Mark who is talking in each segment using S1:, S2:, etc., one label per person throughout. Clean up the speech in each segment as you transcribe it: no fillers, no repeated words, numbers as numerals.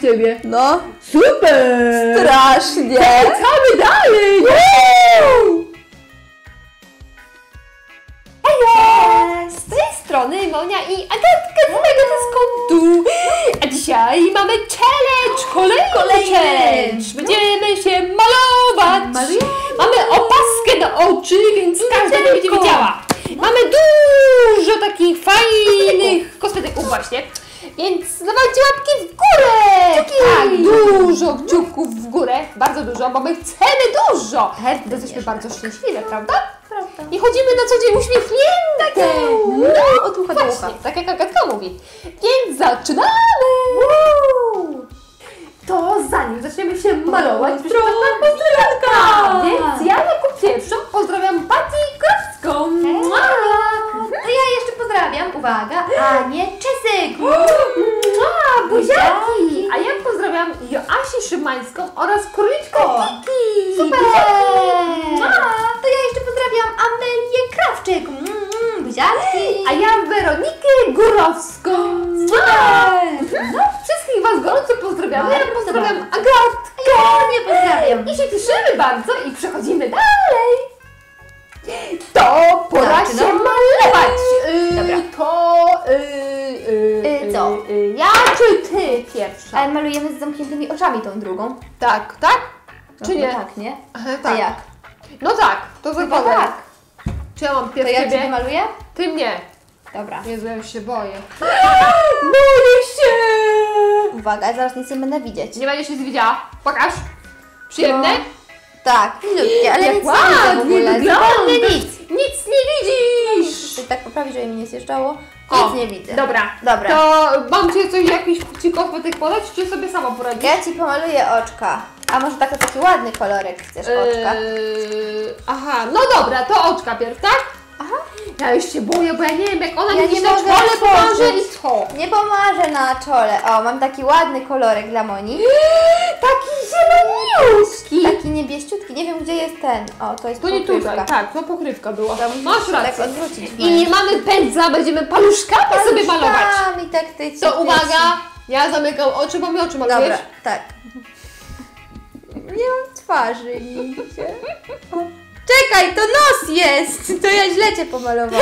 S1: ciebie.
S2: No.
S1: Super!
S2: Strasznie.
S1: Wracamy dalej!
S2: Hejo!
S1: Z tej strony Monia i Agatka z mojego dyskontu. A dzisiaj mamy challenge, kolejny challenge. Będziemy się malować. Mamy opaskę na oczy, więc każda nie będzie widziała. Mamy dużo takich fajnych kosmetyków właśnie. Więc dawajcie łapki w górę! Tak, dużo kciuków w górę, bardzo dużo, bo my chcemy dużo! Bo jesteśmy bardzo szczęśliwe, prawda?
S2: Prawda.
S1: I chodzimy na co dzień uśmiechnięte!
S2: No, od ucha do ucha.
S1: Właśnie, tak jak Agatka mówi. Więc zaczynamy! To zanim zaczniemy się malować,
S2: pozdrowionka!
S1: Więc ja jako pierwszą pozdrawiam Patty Krowską!
S2: To ja jeszcze pozdrawiam, uwaga, Anię Czesyk!
S1: Buziaki! A ja pozdrawiam Joasię Szymańską oraz króliczkę Kiki!
S2: Super! To ja jeszcze pozdrawiam Amelię Krawczyk! Buziaki!
S1: A ja Weronikę Górowską!
S2: Super!
S1: No, wszystkich Was gorąco pozdrawiam. Ja
S2: Bardzo
S1: pozdrawiam
S2: dobrze.
S1: Agatkę!
S2: Ja nie pozdrawiam!
S1: I się cieszymy bardzo i przechodzimy dalej! To pora
S2: Zaczynam.
S1: się malować!
S2: Dobra. Co?
S1: Ja czy Ty pierwsza?
S2: Ale malujemy z zamkniętymi oczami tą drugą.
S1: Tak, tak?
S2: No,
S1: Czy nie?
S2: No tak, nie?
S1: Aha,
S2: A jak?
S1: No tak, to
S2: Chyba
S1: zakładam.
S2: tak.
S1: Czy ja mam
S2: To
S1: pierw
S2: ja
S1: Ciebie?
S2: Ciebie maluję?
S1: Ty mnie.
S2: Dobra.
S1: Jezu, ja już się boję. Boję się!
S2: Uwaga, zaraz nic nie będę widzieć.
S1: Nie będziesz nic widziała? Pokaż. Przyjemne?
S2: No. Tak, milutkie, ale
S1: Jak
S2: nic nie widzę w
S1: ładnie
S2: ogóle.
S1: wygląda.
S2: Zupełnie nic.
S1: Nic nie widzisz!
S2: Chcę tak poprawić, żeby mi nie zjeżdżało.
S1: O,
S2: Nic nie widzę.
S1: Dobra.
S2: Dobra.
S1: To mam Ci coś, jakiś Ci kosmetyk podać, czy sobie sama poradzisz?
S2: Ja Ci pomaluję oczka. A może taki ładny kolorek chcesz oczka?
S1: Aha, no dobra, to oczka pierw, tak?
S2: Aha.
S1: Ja już się boję, bo ja nie wiem, jak ona
S2: Ja
S1: mi
S2: nie
S1: na
S2: mogę
S1: czole pomoże
S2: otworzyć.
S1: i co?
S2: Nie pomarzę na czole. O, mam taki ładny kolorek dla Moni.
S1: Taki zieloniutki!
S2: Taki niebieściutki. Nie wiem, gdzie jest ten. O, to jest
S1: To nie
S2: pokrywka.
S1: tutaj, tak, to pokrywka była.
S2: To musisz
S1: Masz
S2: się
S1: rację.
S2: tak odwrócić.
S1: I mamy pędzla, będziemy paluszkami sobie malować.
S2: Paluszkami, tak, tyci,
S1: To uwaga, ja zamykam oczy, bo mi oczy malujesz.
S2: Dobra, tak. Nie mam twarzy nigdzie. Czekaj, to nos jest! To ja źle Cię pomalowałam.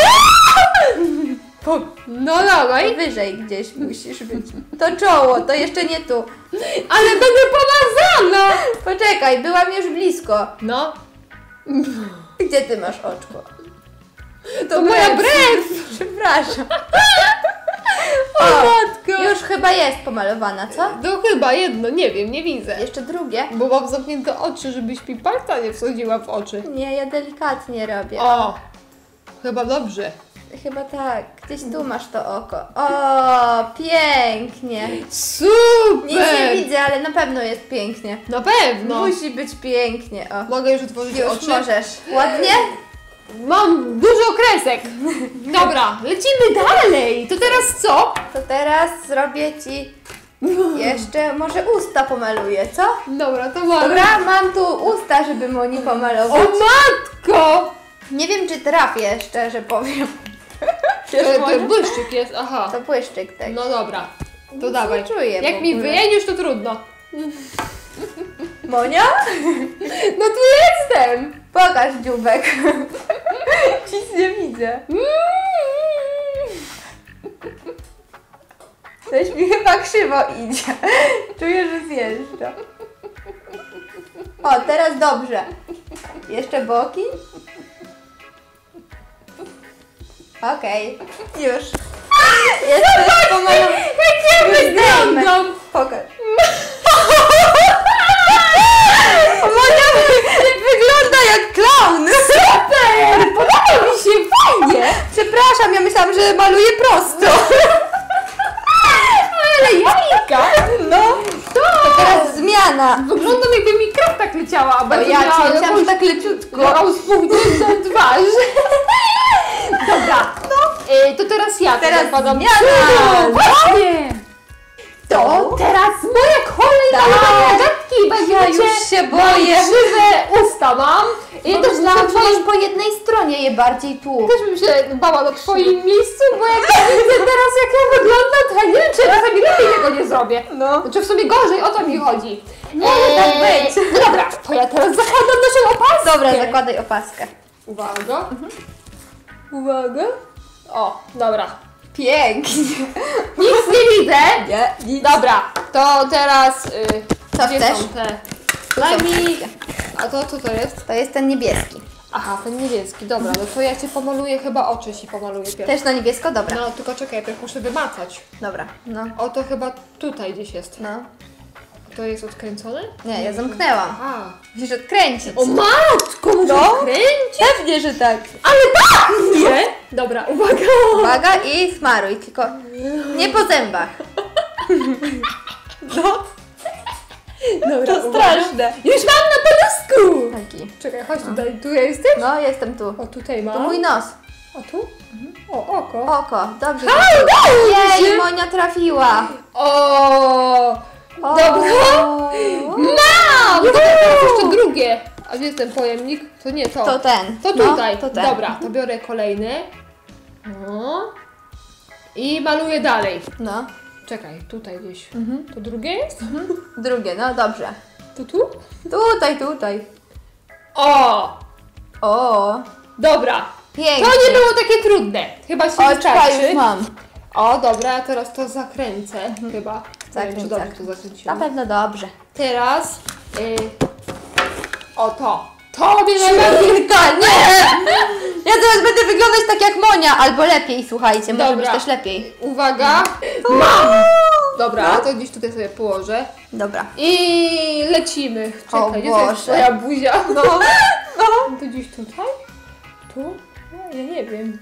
S1: No dawaj.
S2: Wyżej gdzieś musisz być. To czoło, to jeszcze nie tu.
S1: Ale będę pomazana!
S2: Poczekaj, byłam już blisko.
S1: No,
S2: Gdzie Ty masz oczko?
S1: to moja brew!
S2: Przepraszam.
S1: O matko!
S2: Już chyba jest pomalowana, co?
S1: To chyba jedno, nie wiem, nie widzę.
S2: Jeszcze drugie.
S1: Bo mam zamknięte oczy, żebyś mi palca nie wsadziła w oczy.
S2: Nie, ja delikatnie robię.
S1: O! Chyba dobrze.
S2: Chyba tak. Gdzieś tu masz to oko. O, pięknie.
S1: Super!
S2: Nic nie widzę, ale na pewno jest pięknie.
S1: Na pewno.
S2: Musi być pięknie. O.
S1: Mogę już otworzyć
S2: Już
S1: oczy?
S2: możesz. Ładnie?
S1: Mam dużo kresek. Dobra, lecimy dalej. To teraz co?
S2: To teraz zrobię Ci jeszcze, może usta pomaluję, co?
S1: Dobra, to mamy.
S2: Dobra, mam tu usta, żeby Moni
S1: O
S2: pomalować.
S1: matko!
S2: Nie wiem, czy trafię, szczerze powiem.
S1: To błyszczyk jest, aha.
S2: To błyszczyk tak.
S1: No dobra, to
S2: Nic
S1: dawaj.
S2: nie czuję w
S1: Jak mi
S2: ogóle.
S1: wyjedziesz, to trudno.
S2: Monia?
S1: No tu jestem!
S2: Pokaż dzióbek. Nic nie widzę. Coś mi chyba krzywo idzie. Czuję, że zjeżdża. O, teraz dobrze. Jeszcze boki. Okej. Już. Jesteś pomalowana.
S1: Jak ja wyglądam!
S2: Pokaż. Monia wygląda jak klaun.
S1: Super! Podoba mi się, fajnie!
S2: Przepraszam, ja myślałam, że maluję prosto.
S1: Ale jajka!
S2: No, to teraz zmiana.
S1: Wyglądam, jakby mi krew tak leciała, a
S2: Bo
S1: bardzo
S2: ja
S1: miała
S2: Ci myślałam, że
S1: jakąś
S2: tak leciutko.
S1: rozpuchniętą twarz. Dobra, to teraz ja
S2: Teraz
S1: podam.
S2: zmiana.
S1: Właśnie! To teraz moja kolej na
S2: Tak.
S1: gadki.
S2: Ja już się boję.
S1: Krzywe usta mam. I też na
S2: Myślałam, że
S1: twoim...
S2: masz po jednej stronie je bardziej tu.
S1: Też bym się bała na twoim miejscu, bo jak ja widzę teraz, jak ja wyglądam, to ja nie wiem, czy ja czasami lepiej nie tego nie zrobię.
S2: No.
S1: Znaczy w sumie gorzej, o to mi chodzi.
S2: Może tak być.
S1: Dobra, to ja teraz zakładam naszą opaskę.
S2: Dobra, zakładaj opaskę.
S1: Uwaga. Uwaga. O, dobra.
S2: Pięknie.
S1: Nic nie widzę.
S2: Nie, nic.
S1: Dobra, to teraz...
S2: Co
S1: gdzie
S2: chcesz?
S1: są te?
S2: Tu
S1: Daj
S2: są
S1: mi...
S2: wszystkie.
S1: A to co to jest?
S2: To jest ten niebieski.
S1: Aha, ten niebieski. Dobra, no to ja Cię pomaluję, chyba oczy Ci pomaluję pierwszy.
S2: Też na niebiesko? Dobra.
S1: No, tylko czekaj, najpierw muszę wymacać.
S2: Dobra, no.
S1: O, to chyba tutaj gdzieś jest.
S2: No.
S1: To jest odkręcone?
S2: Nie, ja zamknęłam.
S1: Aha.
S2: Musisz odkręcić.
S1: O matko, muszę
S2: No.
S1: odkręcić?
S2: Pewnie, że tak.
S1: Ale tak! Nie? Dobra, uwaga.
S2: Uwaga i smaruj, tylko nie po zębach.
S1: No. Dobra,
S2: To
S1: uwaga.
S2: straszne.
S1: Już mam na palusku!
S2: Taki.
S1: Czekaj, chodź tutaj. Tu ja jestem?
S2: No, jestem tu.
S1: O, tutaj mam.
S2: To mój nos.
S1: A tu? O, oko.
S2: Oko, dobrze.
S1: A, udało mi
S2: Jej,
S1: się!
S2: Monia trafiła.
S1: O!
S2: O.
S1: Dobra. Mam! Teraz jeszcze drugie. A gdzie jest ten pojemnik? To nie to.
S2: To ten.
S1: To
S2: No,
S1: tutaj.
S2: to ten.
S1: Dobra, to biorę kolejny. No. I maluję dalej.
S2: No.
S1: Czekaj, tutaj gdzieś.
S2: Mhm.
S1: To drugie jest?
S2: Drugie, no dobrze.
S1: To tu?
S2: Tutaj.
S1: O!
S2: O,
S1: Dobra.
S2: pięknie.
S1: To nie było takie trudne. Chyba się
S2: Oczka
S1: wystarczy.
S2: już mam.
S1: O, dobra, teraz to zakręcę chyba. Nie wiem,
S2: Zakręć,
S1: czy dobrze to
S2: zakręć. Na
S1: zakręciłam.
S2: pewno dobrze.
S1: Teraz o to. To mnie najbardziej...
S2: Nie! Ja teraz będę wyglądać tak jak Monia, albo lepiej, słuchajcie, może być
S1: Dobra.
S2: też lepiej.
S1: Uwaga. Mam! Dobra, to gdzieś tutaj sobie położę.
S2: Dobra.
S1: I lecimy.
S2: O
S1: Czekaj, gdzie to jest
S2: Boże.
S1: twoja buzia?
S2: No.
S1: To gdzieś tutaj? Tu? No, ja nie wiem.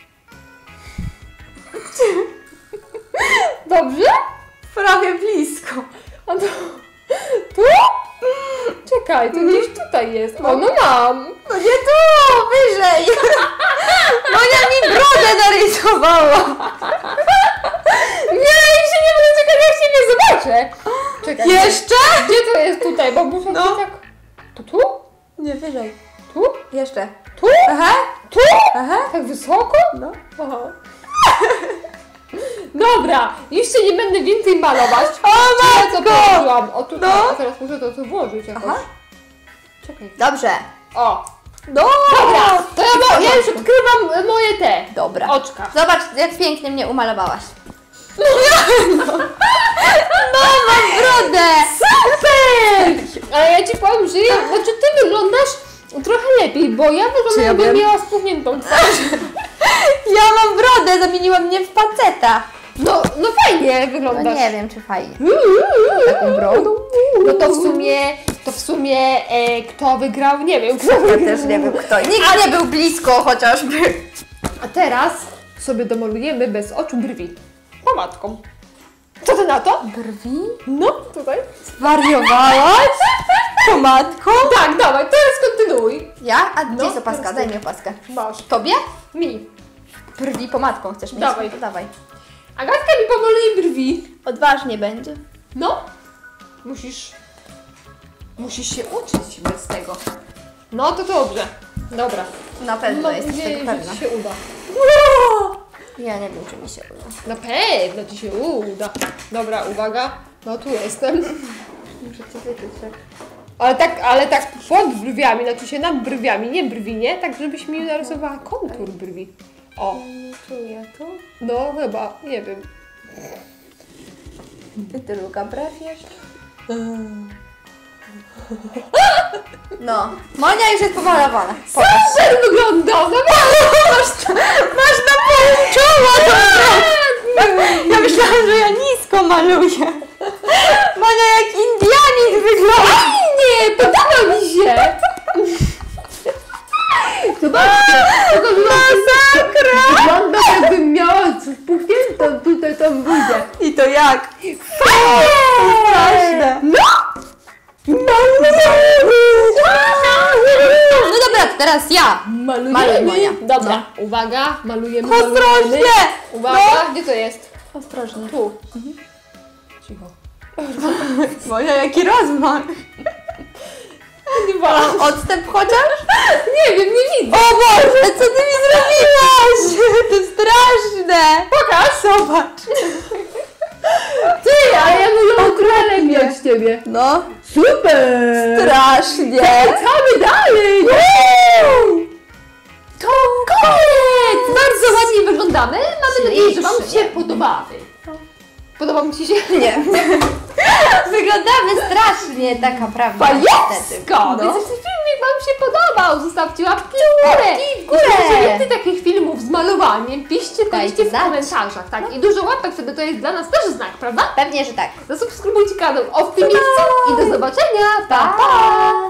S1: Dobrze?
S2: Prawie blisko.
S1: A to... Tu? Czekaj, to gdzieś tutaj jest. O, no mam.
S2: No nie tu, wyżej. Monia mi brodę narysowała.
S1: Nie, już się nie będę czekać, jak się nie zobaczę. Czekaj.
S2: Jeszcze?
S1: Gdzie to jest tutaj? Bo muszę
S2: No.
S1: tak... To tu?
S2: Nie, wyżej.
S1: Tu?
S2: Jeszcze.
S1: Tu?
S2: Aha.
S1: Tu?
S2: Aha.
S1: Tak wysoko?
S2: No.
S1: Aha. Dobra, jeszcze nie będę więcej malować.
S2: O
S1: Ja co
S2: matko!
S1: położyłam? O tutaj,
S2: No.
S1: a teraz muszę to tu włożyć jakoś.
S2: Aha.
S1: Czekaj.
S2: Dobrze.
S1: O,
S2: No.
S1: dobra, to ja już odkrywam moje te
S2: Dobra.
S1: oczka.
S2: Zobacz, jak pięknie mnie umalowałaś. No, mam brodę!
S1: Super! Ale ja Ci powiem, że znaczy Ty wyglądasz trochę lepiej, bo ja wyglądam
S2: Czy ja
S1: jakbym
S2: wiem?
S1: miała spuchniętą twarz.
S2: Ja mam brodę, zamieniła mnie w faceta.
S1: No fajnie
S2: No
S1: wyglądasz.
S2: nie wiem, czy fajnie. Taką brodą?
S1: No to w sumie kto wygrał, nie wiem. Kto
S2: Ja
S1: wygrał.
S2: też nie wiem kto. Nikt nie był blisko chociażby.
S1: A teraz sobie domalujemy bez oczu brwi. Pomadką. Co Ty na to?
S2: Brwi?
S1: No, tutaj.
S2: Zwariowałaś? Pomadką?
S1: Tak, dawaj, teraz kontynuuj.
S2: Ja? A gdzie jest
S1: No,
S2: opaska?
S1: teraz
S2: Daj
S1: ty.
S2: mi opaskę.
S1: Masz.
S2: Tobie?
S1: Mi.
S2: Brwi pomadką chcesz mieć?
S1: Dawaj.
S2: To dawaj.
S1: Agatka mi pomaluje brwi.
S2: Odważnie będzie.
S1: No. Musisz się uczyć bez tego. No to dobrze. Dobra.
S2: Na pewno
S1: Mam
S2: jesteś
S1: nadzieję,
S2: tego
S1: że
S2: pewna.
S1: Ci się uda.
S2: Ja nie wiem, czy mi się uda.
S1: Na pewno Ci się uda. Dobra, uwaga. No tu jestem.
S2: Muszę cię wyczuć, tak?
S1: Ale tak pod brwiami, znaczy się nad brwiami, nie brwi, nie? Tak, żebyś mi narysowała kontur brwi. O,
S2: Nie czuję tu.
S1: no chyba, nie wiem.
S2: Ty druga brew jeszcze? No. Monia już jest pomalowana. Pokaż.
S1: Super wygląda!
S2: Masz na pół czoła! Ja myślałam, że ja nisko maluję. Monia jak Indianin wygląda.
S1: Nie, podoba mi się! Zobaczcie,
S2: Masakra!
S1: wygląda jakbym miała spuchniętą tutaj tą buzię.
S2: I to jak?
S1: Fajnie!
S2: Straszne.
S1: No!
S2: No dobra, to teraz ja. Maluj,
S1: Malujemy.
S2: Monia.
S1: Dobra, uwaga, malujemy.
S2: Ostrożnie!
S1: Uwaga, gdzie to jest?
S2: Ostrożnie.
S1: Tu. Cicho.
S2: Monia, jaki rozmach.
S1: Dwa.
S2: Odstęp chociaż?
S1: Nie wiem, nie widzę.
S2: O Boże, co ty mi zrobiłaś? To straszne.
S1: Pokaż.
S2: Zobacz.
S1: Ty, siebie.
S2: No.
S1: Super!
S2: Strasznie.
S1: Lecamy dalej! To koniec! Bardzo ładnie wyglądamy. Mamy nadzieję, że Wam się podobały. Podoba mi Ci się?
S2: Nie. Wyglądamy strasznie, taka prawda.
S1: Fajowsko!
S2: No.
S1: Więc jeśli filmik Wam się podobał, zostawcie łapki w górę.
S2: Łapki w górę.
S1: Jeśli macie więcej takich filmów z malowaniem, piszcie
S2: Dajcie
S1: w
S2: znać.
S1: komentarzach, tak? I dużo łapek wtedy to jest dla nas też znak, prawda?
S2: Pewnie, że tak.
S1: Zasubskrybujcie kanał w tym miejscu i do zobaczenia. Pa, pa!